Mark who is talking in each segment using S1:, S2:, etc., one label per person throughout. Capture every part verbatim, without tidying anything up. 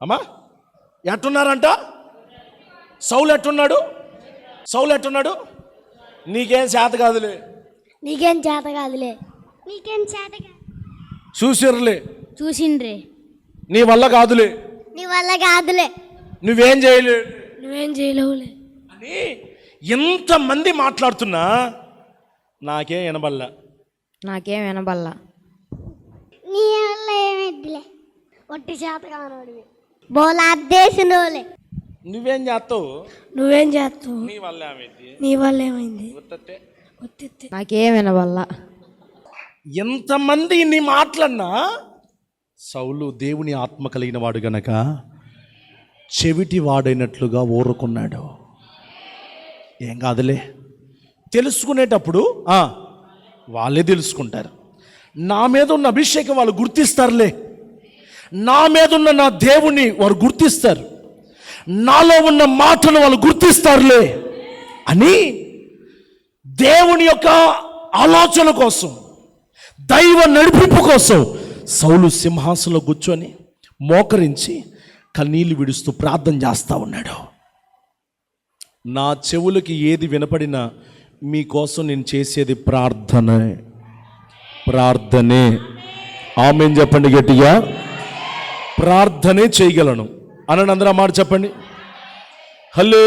S1: అమ్మా ఎట్టున్నారంట? సౌలు ఎట్టున్నాడు? సౌలు ఎట్టున్నాడు? నీకేం చేత కాదులే,
S2: నీకేం చేత కాదులే, నీకేం చేత కాదు,
S1: చూసిర్లే,
S2: చూసిండ్రే,
S1: నీ వల్ల కాదులే,
S2: నీ వల్ల కాదులే,
S1: నువ్వేం చేయలే,
S2: నువ్వేం చేయలేవులే
S1: అని ఎంతమంది మాట్లాడుతున్నా నాకేం వినబల్లా,
S3: నాకేం వినబల్లా.
S2: నీ వల్ల ఏమైద్దిలే, ఒట్టి చేత కానోడివి, బోలాద్దేశనోలే,
S1: నువ్వేం చేస్తావు,
S2: నువ్వేం చేస్తావు,
S1: నీ వల్ల ఏమైంది,
S2: నీ వల్ల ఏమైంది,
S1: ఉత్తట్టే.
S3: నాకేం వినబల్లా.
S1: ఎంతమంది ఇన్ని మాటలన్నా సౌలు దేవుని ఆత్మ కలిగిన వాడు గనక చెవిటి వాడైనట్లుగా ఊరుకున్నాడు. ఏం కాదులే, తెలుసుకునేటప్పుడు వాళ్ళే తెలుసుకుంటారు. నా మీద ఉన్న అభిషేకం వాళ్ళు గుర్తిస్తారులే, నా మీద ఉన్న నా దేవుని వారు గుర్తిస్తారు, నాలో ఉన్న మాటను వాళ్ళు గుర్తిస్తారులే అని దేవుని యొక్క ఆలోచన కోసం, దైవ నడిపింపు కోసం సౌలు సింహాసనంలో కూర్చొని మోకరించి కన్నీళ్లు విడుస్తూ ప్రార్థన చేస్తూ ఉన్నాడు. నా చెవులకి ఏది వినపడినా మీకోసం నేను చేసేది ప్రార్థనే, ప్రార్థనే. ఆమేన్ చెప్పండి గట్టిగా. ప్రార్థనే చేయగలను అనండి అందరూ ఆ మాట చెప్పండి. హల్లే.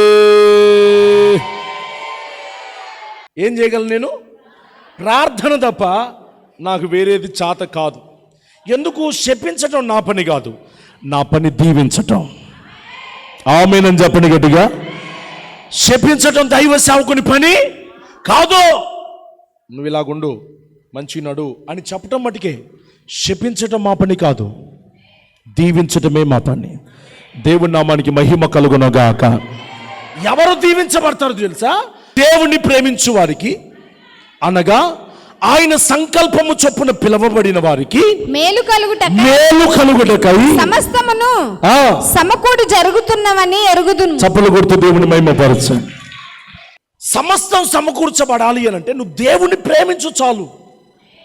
S1: ఏం చేయగలను నేను? ప్రార్థన తప్ప నాకు వేరేది చేత కాదు. ఎందుకు? శపించటం నా పని కాదు, నా పని దీవించటం. ఆమేనని చెప్పండి గట్టిగా. శపించటం దైవ సేవకుని పని కాదు. నువ్వు ఇలాగుండు, మంచి నడు అని చెప్పటం మటుకే, శపించటం మా పని కాదు, దీవించటమే మా పని. దేవుని నామానికి మహిమ కలుగునగాక. ఎవరు దీవించబడతారు తెలుసా? దేవుణ్ణి ప్రేమించు వారికి, అనగా ఆయన సంకల్పము చొప్పున పిలవబడిన వారికి
S3: మేలు కలుగుట
S1: మేలు కలుగుటకై
S3: సమస్తమును సమకూడి జరుగుతున్నవని ఎరుగుదును.
S1: చప్పలు కొడుతూ దేవుని మహిమపరచండి. సమస్తం సమకూర్చబడాలి అని అంటే నువ్వు దేవుణ్ణి ప్రేమించు చాలు.